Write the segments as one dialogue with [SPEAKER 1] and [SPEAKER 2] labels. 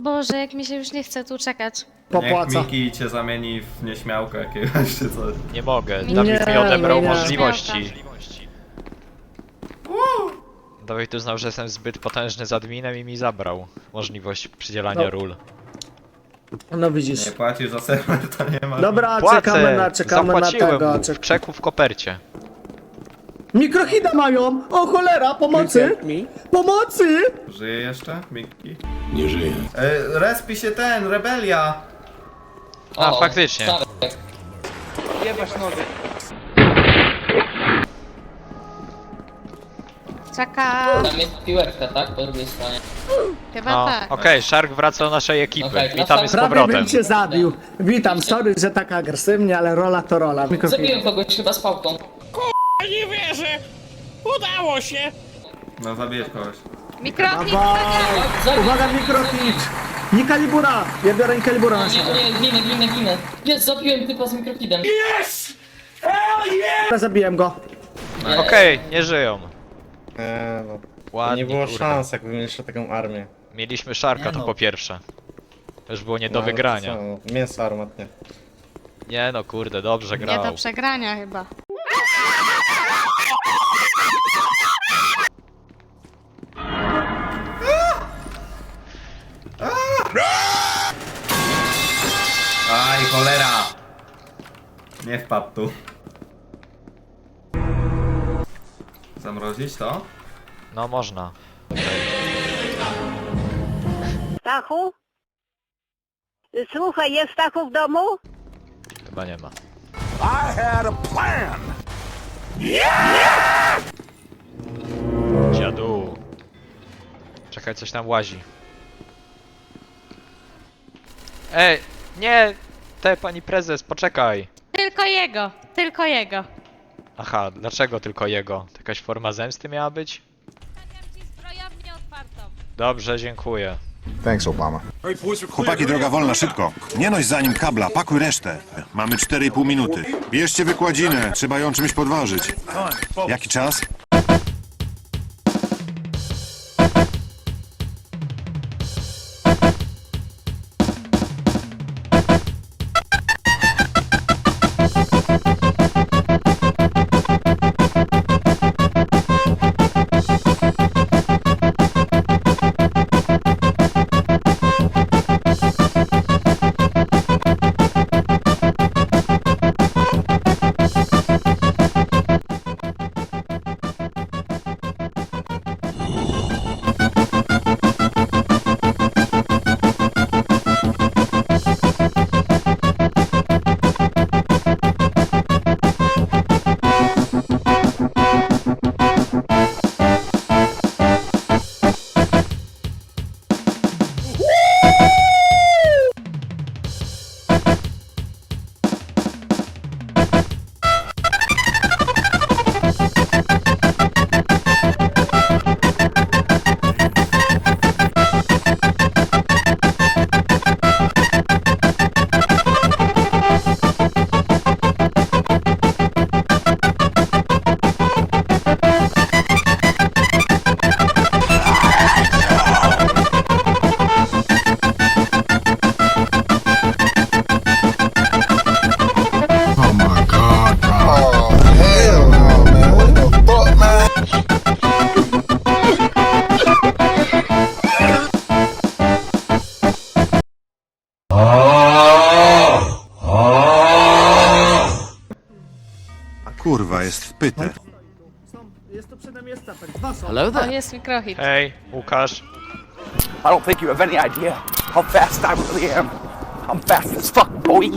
[SPEAKER 1] Boże, jak mi się już nie chce tu czekać.
[SPEAKER 2] Popłaca.
[SPEAKER 3] Niech Miki cię zamieni w nieśmiałka jakiegoś czy coś.
[SPEAKER 4] Nie mogę,
[SPEAKER 1] Nie,
[SPEAKER 4] Dawid mi odebrał
[SPEAKER 2] nie.
[SPEAKER 4] możliwości. Dawid uznał, że jestem zbyt potężny z adminem i mi zabrał możliwość przydzielania
[SPEAKER 2] No.
[SPEAKER 4] ról.
[SPEAKER 2] No widzisz.
[SPEAKER 3] Nie płacisz za serwer, to nie ma.
[SPEAKER 2] Dobra,
[SPEAKER 4] Płacę!
[SPEAKER 2] czekamy na
[SPEAKER 4] Zapłaciłem
[SPEAKER 2] tego.
[SPEAKER 4] mu w czeku w kopercie.
[SPEAKER 2] Mikrohida mają! O cholera, pomocy! Pomocy!
[SPEAKER 3] Żyje jeszcze, Miki?
[SPEAKER 5] Nie żyje.
[SPEAKER 3] Respi się ten, rebelia!
[SPEAKER 4] A, faktycznie.
[SPEAKER 1] Czeka.
[SPEAKER 6] Tam jest piłeczka, tak? Po drugiej stronie.
[SPEAKER 1] Chyba
[SPEAKER 4] No,
[SPEAKER 1] tak.
[SPEAKER 4] okej, Shark wraca do naszej ekipy.
[SPEAKER 6] Okej,
[SPEAKER 4] Witamy z
[SPEAKER 2] Prawie
[SPEAKER 4] powrotem.
[SPEAKER 2] bym cię zabił. Witam, sorry, że tak agresywnie, ale rola to rola.
[SPEAKER 6] Zabiłem kogoś chyba z pałką.
[SPEAKER 7] Nie wierzę! Udało się!
[SPEAKER 3] No zabijesz kogoś.
[SPEAKER 1] Mikrofon!
[SPEAKER 6] Zabił.
[SPEAKER 2] Uwaga, mikrofit! Nie kalibura! Ja biorę kalibura na
[SPEAKER 6] Nie,
[SPEAKER 2] siebie.
[SPEAKER 6] nie, ginę. Jest, zabiłem typa z mikrofidem.
[SPEAKER 2] Ja zabiłem go.
[SPEAKER 4] Okej, nie żyją.
[SPEAKER 8] No,
[SPEAKER 4] Ładnie,
[SPEAKER 8] nie było
[SPEAKER 4] kurde.
[SPEAKER 8] szans, jakbym jeszcze taką armię.
[SPEAKER 4] Mieliśmy Sharka, to po pierwsze. To już było nie do
[SPEAKER 8] No, ale to
[SPEAKER 4] wygrania.
[SPEAKER 8] co, mięso armatnie.
[SPEAKER 4] Nie no, kurde, dobrze
[SPEAKER 1] Nie
[SPEAKER 4] grał.
[SPEAKER 1] do przegrania chyba.
[SPEAKER 3] Aj, cholera! Nie wpadł tu. Zamrozić to?
[SPEAKER 4] No można.
[SPEAKER 9] Stachu? Słuchaj, jest Stachu w domu?
[SPEAKER 4] Chyba nie ma. Dziadu. Czekaj, coś tam łazi. Ej, nie! Pani prezes, poczekaj!
[SPEAKER 1] Tylko jego, tylko jego.
[SPEAKER 4] Aha, dlaczego tylko jego? To jakaś forma zemsty miała być?
[SPEAKER 1] Stawiam ci zbrojownię otwartą.
[SPEAKER 4] Dobrze, dziękuję.
[SPEAKER 5] Thanks, Obama.
[SPEAKER 10] Chłopaki, droga wolna, szybko. Nie noś za nim kabla, pakuj resztę. Mamy 4,5 minuty. Bierzcie wykładzinę, trzeba ją czymś podważyć. Jaki czas? Kurwa, jest wpyte.
[SPEAKER 2] Jest tu przede mnie stafek. Dwa są.
[SPEAKER 1] O, jest mikrohit.
[SPEAKER 4] Hej, Łukasz.
[SPEAKER 7] I don't think you have any idea how fast I really am. I'm fast as fuck, boy.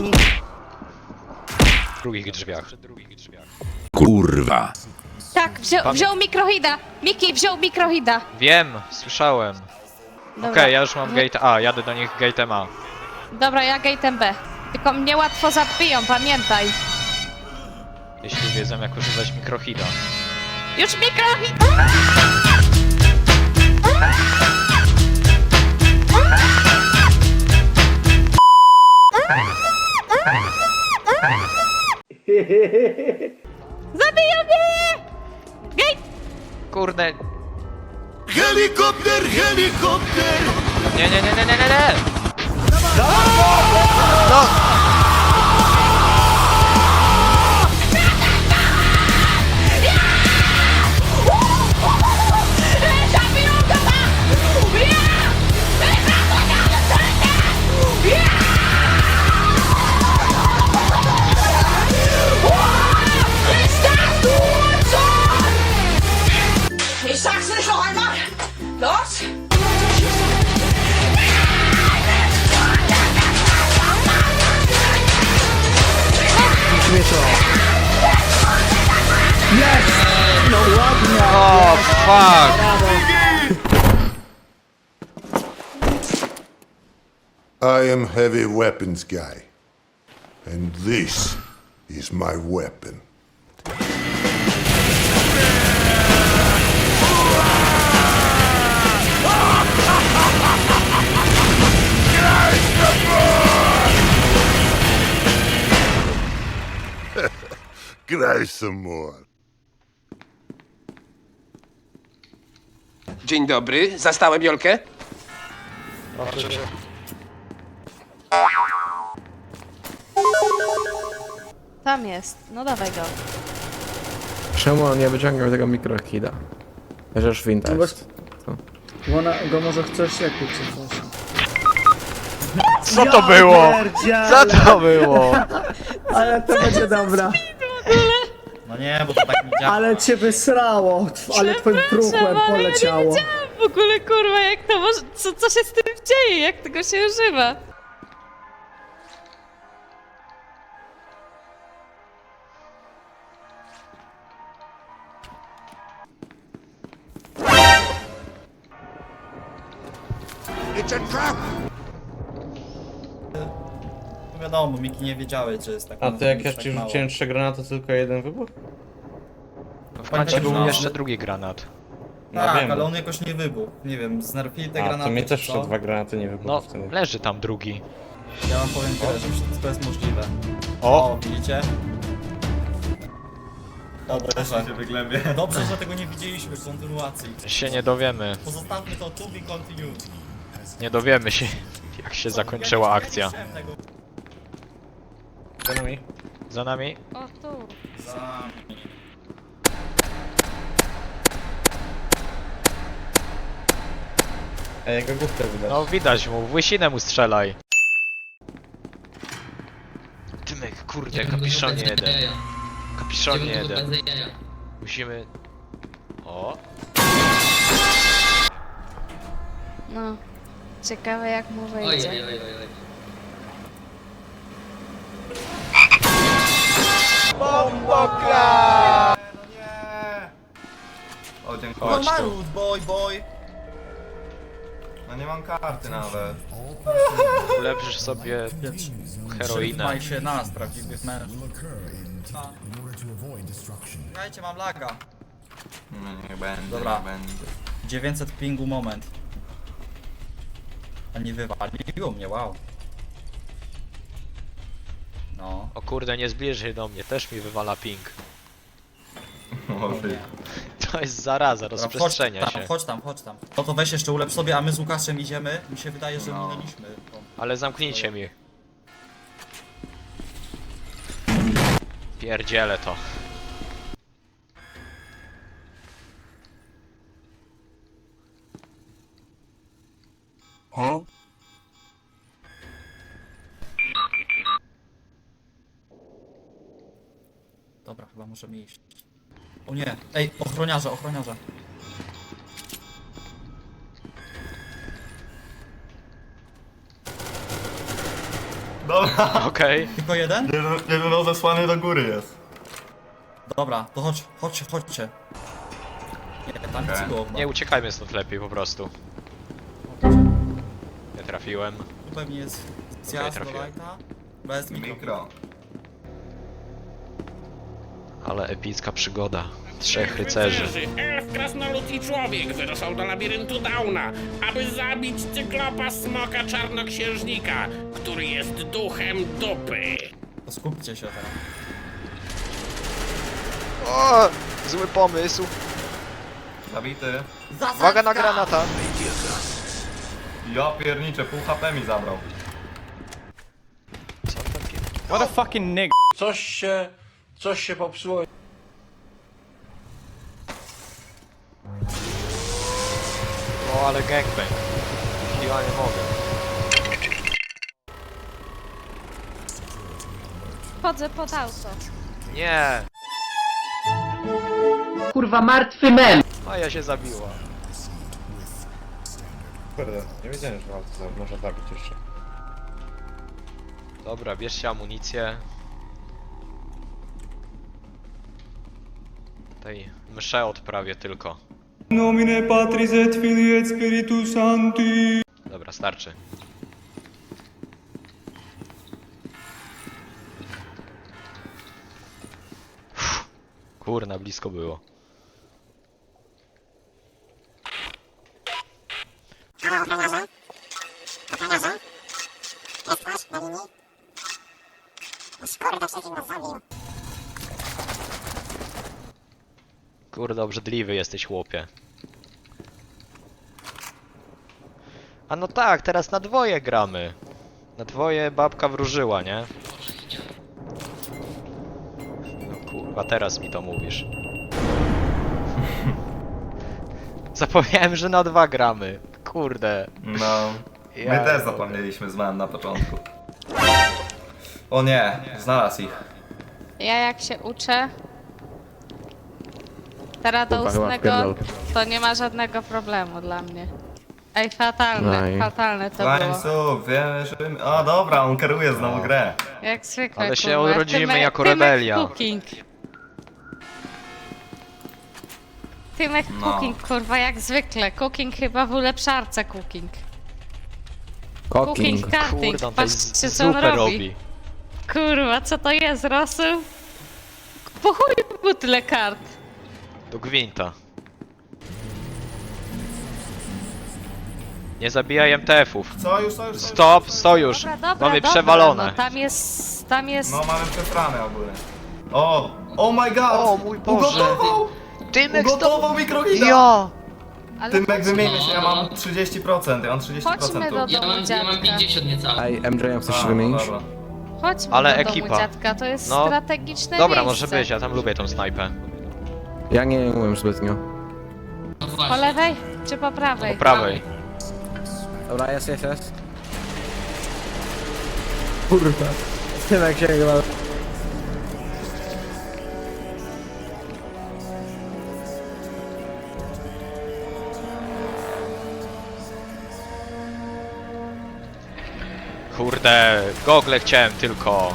[SPEAKER 4] W drugich drzwiach.
[SPEAKER 5] Kurwa.
[SPEAKER 1] Tak, wziął mikrohida. Miki wziął mikrohida.
[SPEAKER 4] Wiem, słyszałem.
[SPEAKER 1] Dobra.
[SPEAKER 4] Okej, ja już mam gate A, jadę do nich gate'em A.
[SPEAKER 1] Dobra, ja gate'em B. Tylko mnie łatwo zabiją, pamiętaj.
[SPEAKER 4] Jeśli wiedzą jak używać mikrohida.
[SPEAKER 1] Już mikrohit! Zabiją mnie! Gate!
[SPEAKER 4] Kurde,
[SPEAKER 10] Helikopter, helikopter!
[SPEAKER 4] Nie, nie, nie, nie, nie, nie, nie! No!
[SPEAKER 5] Ich sag's nicht noch einmal! Los!
[SPEAKER 2] Jest! No ładnie!
[SPEAKER 4] O, fuck!
[SPEAKER 10] I am heavy weapons guy. And this is my weapon. Graj some more.
[SPEAKER 5] Dzień dobry, zastałem Jolkę?
[SPEAKER 1] Tam jest. No dawaj go.
[SPEAKER 8] Czemu on nie wyciągał tego mikrokida? Chociaż winda
[SPEAKER 2] No
[SPEAKER 8] jest.
[SPEAKER 2] Bo ona go może chce siekieć czy coś.
[SPEAKER 4] Co to było? Co to było?
[SPEAKER 2] Ale to będzie dobra.
[SPEAKER 3] No nie, bo to tak nie działa.
[SPEAKER 2] Ale cię wysrało, ale twoim truchłem poleciało.
[SPEAKER 1] W ogóle kurwa, jak to może... Co się z tym dzieje? Jak tego się używa?
[SPEAKER 3] Wiadomo, Miki nie wiedziały, czy jest tak.
[SPEAKER 8] A to jak ja ci rzuciłem 3 granaty, to tylko jeden wybuch?
[SPEAKER 4] W końcu był jeszcze drugi granat.
[SPEAKER 8] No
[SPEAKER 3] Tak,
[SPEAKER 8] wiem.
[SPEAKER 3] ale on jakoś nie wybuchł. Nie wiem, znerfili te
[SPEAKER 8] A,
[SPEAKER 3] granaty.
[SPEAKER 8] to mnie też
[SPEAKER 3] czy
[SPEAKER 8] jeszcze
[SPEAKER 3] co?
[SPEAKER 8] 2 granaty nie
[SPEAKER 4] No,
[SPEAKER 8] wybuchły wtedy.
[SPEAKER 4] leży tam drugi.
[SPEAKER 3] Ja wam powiem tyle, że wszystko jest możliwe.
[SPEAKER 4] O!
[SPEAKER 3] Widzicie? Dobrze, dobrze, że tego nie widzieliśmy w kontynuacji.
[SPEAKER 4] Się nie dowiemy.
[SPEAKER 3] Pozostawmy to to be continued.
[SPEAKER 4] Nie dowiemy się, jak się zakończyła akcja.
[SPEAKER 8] Za nami.
[SPEAKER 4] Za nami?
[SPEAKER 1] O tu.
[SPEAKER 8] A jego główkę widać.
[SPEAKER 4] No widać mu, w łysinę mu strzelaj. Tymek, kurde, kapiszonie jeden. Kapiszonie jeden. Musimy... O!
[SPEAKER 1] No. Ciekawe jak mu wyjdzie.
[SPEAKER 3] O, dziękuję.
[SPEAKER 4] Chodź tu.
[SPEAKER 3] boy. No nie mam karty nawet.
[SPEAKER 4] Ulepszysz sobie heroinę.
[SPEAKER 3] Trzymaj się nas, prawdziwych mężczyzn. Słuchajcie, mam laga.
[SPEAKER 11] Nie będę,
[SPEAKER 3] Dobra.
[SPEAKER 11] nie będę.
[SPEAKER 3] 900 pingu moment. A nie wywaliło mnie, wow. No.
[SPEAKER 4] O kurde, nie zbliż się do mnie, też mi wywala ping. To jest zaraza, rozprzestrzenia się.
[SPEAKER 3] Chodź tam. No to weź jeszcze ulepsz sobie, a my z Łukaszem idziemy. Mi się wydaje, że minęliśmy.
[SPEAKER 4] Ale zamknijcie mi. Pierdzielę to.
[SPEAKER 10] Huh?
[SPEAKER 3] Dobra, chyba możemy iść. O nie, ej, ochroniarze. Dobra,
[SPEAKER 4] Okej.
[SPEAKER 3] tylko jeden?
[SPEAKER 11] Jeden rozesłany do góry jest.
[SPEAKER 3] Dobra, to chodźcie. Nie, tam nic było.
[SPEAKER 4] Nie, uciekajmy stąd lepiej po prostu. Nie trafiłem.
[SPEAKER 3] Tu pewnie jest
[SPEAKER 4] Okej,
[SPEAKER 3] zjazd do
[SPEAKER 4] trafiłem.
[SPEAKER 3] lighta. Bez
[SPEAKER 11] Mikro.
[SPEAKER 4] Ale epicka przygoda. 3 rycerzy.
[SPEAKER 5] Elf, krasnolud i człowiek wyruszał do labiryntu Dauna, aby zabić cyklopa smoka czarnoksiężnika, który jest duchem dupy.
[SPEAKER 3] To skupcie się teraz.
[SPEAKER 4] O! Zły pomysł.
[SPEAKER 11] Zabity.
[SPEAKER 4] Uwaga na granata.
[SPEAKER 11] Ja pierniczę, pół HP mi zabrał.
[SPEAKER 8] What a fucking nigga.
[SPEAKER 7] Coś się popsuło.
[SPEAKER 4] O, ale gangbang. Ja nie mogę.
[SPEAKER 1] Chodzę pod auto.
[SPEAKER 4] Nie!
[SPEAKER 6] Kurwa, martwy mem!
[SPEAKER 4] Maja się zabiła.
[SPEAKER 8] Kurde, nie wiedziałem, że można zabić jeszcze.
[SPEAKER 4] Dobra, bierzcie amunicję. Tej mszę odprawię tylko.
[SPEAKER 8] Nomine Patris et Filii et Spiritus Sancti.
[SPEAKER 4] Dobra, starczy. Uff, kurna, blisko było. Kurde, obrzydliwy jesteś, chłopie. A no tak, teraz na dwoje gramy. Na dwoje babka wróżyła, nie? No kurwa, teraz mi to mówisz. Zapomniałem, że na dwa gramy. Kurde.
[SPEAKER 11] No. My
[SPEAKER 4] Ja
[SPEAKER 11] też
[SPEAKER 4] mogę.
[SPEAKER 11] zapomnieliśmy z małem na początku. O nie, znalazł ich.
[SPEAKER 1] Ja jak się uczę, teraz do
[SPEAKER 8] Kurwa, chyba
[SPEAKER 1] ustnego,
[SPEAKER 8] wpierdol.
[SPEAKER 1] to nie ma żadnego problemu dla mnie. Ej, fatalne,
[SPEAKER 8] No i-
[SPEAKER 1] fatalne to było.
[SPEAKER 11] Łańcuch, wiemy. O dobra, on kieruje znowu grę.
[SPEAKER 1] Jak zwykle,
[SPEAKER 4] Ale się
[SPEAKER 1] kurwa.
[SPEAKER 4] urodzimy jako
[SPEAKER 1] Tymek
[SPEAKER 4] rebelia.
[SPEAKER 1] Cooking. Tymek
[SPEAKER 11] No.
[SPEAKER 1] Cooking, kurwa, jak zwykle. Cooking chyba w ulepszarce Cooking. Cooking cutting,
[SPEAKER 4] Kurde, on tutaj
[SPEAKER 1] patrzcie co on
[SPEAKER 4] zupę
[SPEAKER 1] robi.
[SPEAKER 4] robi.
[SPEAKER 1] Kurwa, co to jest, rosół? Po chuj mu tyle kart.
[SPEAKER 4] Do gwinta. Nie zabijaj MTF-ów.
[SPEAKER 11] Sojusz.
[SPEAKER 4] Stop, sojusz.
[SPEAKER 1] Dobra, dobra,
[SPEAKER 4] Mamy
[SPEAKER 1] dobra,
[SPEAKER 4] przewalone.
[SPEAKER 1] No, tam jest...
[SPEAKER 11] No mamy przesrane ogólnie. O! Oh my god!
[SPEAKER 4] O mój Boże.
[SPEAKER 11] Ugotował!
[SPEAKER 4] Tymek
[SPEAKER 11] Ugotował mikrohida!
[SPEAKER 4] Ja!
[SPEAKER 1] Ale
[SPEAKER 11] Tymek
[SPEAKER 1] chodźmy,
[SPEAKER 11] wymieni się, ja mam 30%, ja mam 30%.
[SPEAKER 1] chodźmy do
[SPEAKER 6] Ja
[SPEAKER 1] domu
[SPEAKER 6] mam
[SPEAKER 1] dziadka.
[SPEAKER 6] 50 niecałe.
[SPEAKER 8] Ej, MJ, chcesz
[SPEAKER 11] A,
[SPEAKER 8] się
[SPEAKER 11] no
[SPEAKER 8] wymienić?
[SPEAKER 11] dobra.
[SPEAKER 1] Chodźmy
[SPEAKER 4] Ale
[SPEAKER 1] do
[SPEAKER 4] ekipa.
[SPEAKER 1] domu dziadka, to jest
[SPEAKER 4] No,
[SPEAKER 1] strategiczne
[SPEAKER 4] Dobra,
[SPEAKER 1] miejsce.
[SPEAKER 4] może być, ja tam lubię tą snajpę.
[SPEAKER 8] Ja nie umiem zbytnio.
[SPEAKER 6] No
[SPEAKER 1] Po
[SPEAKER 6] właśnie.
[SPEAKER 1] lewej czy po prawej?
[SPEAKER 4] Po prawej.
[SPEAKER 8] Dobra, jest. Kurwa. Tymek się chyba...
[SPEAKER 4] Kurde, gogle chciałem tylko.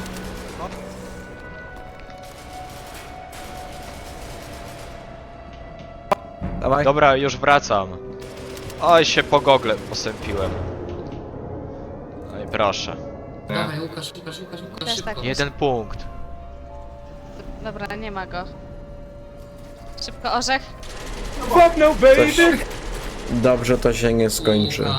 [SPEAKER 8] Dawaj.
[SPEAKER 4] Dobra, już wracam. Oj, się po gogle posępiłem. Oj, proszę.
[SPEAKER 6] Dawaj, Łukasz,
[SPEAKER 1] Też
[SPEAKER 6] szybko.
[SPEAKER 1] tak.
[SPEAKER 4] 1 punkt.
[SPEAKER 1] Dobra, nie ma go. Szybko orzech.
[SPEAKER 8] Dobrze to się nie skończy.
[SPEAKER 6] Kurwa.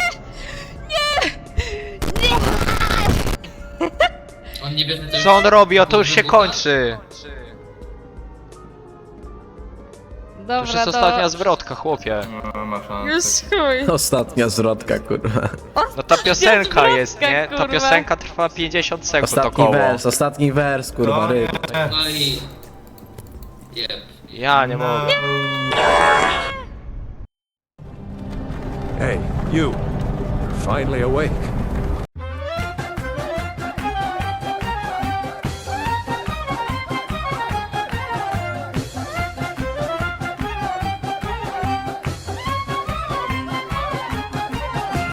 [SPEAKER 6] On nie bierze też...
[SPEAKER 4] Co on robi? O, to już się kończy. To już
[SPEAKER 1] Dobra,
[SPEAKER 4] jest ostatnia zwrotka, chłopie.
[SPEAKER 11] No, ma szansę.
[SPEAKER 1] Już chuj.
[SPEAKER 8] Ostatnia zwrotka, kurwa.
[SPEAKER 4] No ta piosenka
[SPEAKER 1] zwrotka,
[SPEAKER 4] jest, nie? Ta
[SPEAKER 1] kurwa.
[SPEAKER 4] piosenka trwa 50 sekund
[SPEAKER 8] Ostatni wers, kurwa,
[SPEAKER 11] No,
[SPEAKER 8] ryb.
[SPEAKER 6] No i... Jeb.
[SPEAKER 4] Ja nie mogę.
[SPEAKER 8] Hey, you. Finally awake.